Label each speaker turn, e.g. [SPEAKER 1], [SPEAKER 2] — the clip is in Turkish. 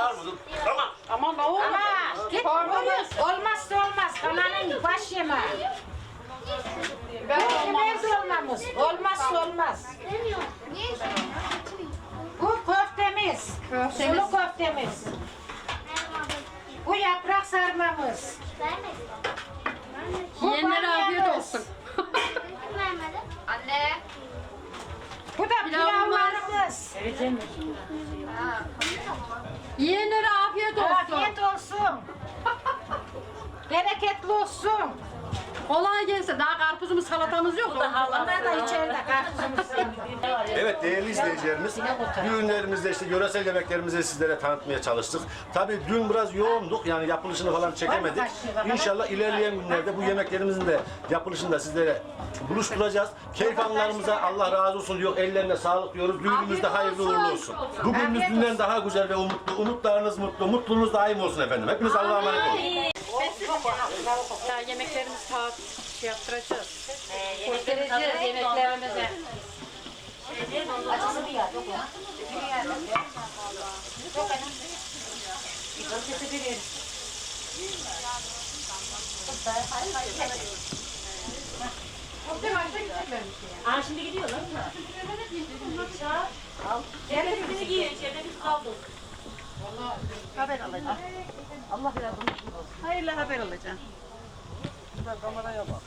[SPEAKER 1] var mı? Tamam.
[SPEAKER 2] Aman ne olur.
[SPEAKER 3] Ama git olmazsa olmaz. Kananın baş yemeği. Köftemiz olmamız. Olmazsa olmaz. Bu köftemiz. Sulu köftemiz. Bu yaprak sarmamız. Bu
[SPEAKER 2] Yiyenlere afiyet
[SPEAKER 3] bamyamız.
[SPEAKER 2] olsun.
[SPEAKER 4] Anne.
[SPEAKER 3] Bu da pilavlarımız.
[SPEAKER 2] Yiyenlere afiyet olsun.
[SPEAKER 3] Afiyet olsun. Bereketli olsun.
[SPEAKER 2] Kolay gelsin. Daha karpuzumuz salatamız yok.
[SPEAKER 3] Onlar da içeride karpuzumuz.
[SPEAKER 1] Evet değerli izleyicilerimiz, düğünlerimizde işte yöresel yemeklerimizi sizlere tanıtmaya çalıştık. Tabii dün biraz yoğunduk yani yapılışını falan çekemedik. İnşallah ilerleyen günlerde bu yemeklerimizin de yapılışını da sizlere buluşturacağız. Keyif anlarımıza Allah razı olsun diyor, ellerine sağlık diyoruz. Düğünümüz de hayırlı uğurlu olsun. Bugünümüz dünden daha güzel ve umutlu. Umutlarınız mutlu, mutluluğunuz daim olsun efendim. Hepiniz Allah'a emanet olun.
[SPEAKER 2] Ya yemeklerimizi saat şey yaptıracağız. Göstereceğiz yemeklerimizi.
[SPEAKER 5] Aa şimdi gidiyorlar mı? Ceketini giyin, ceketini kaldır.
[SPEAKER 2] Haber alacağım. Allah yardım etsin. Hayırlı haber alacağım. Kameraya bak.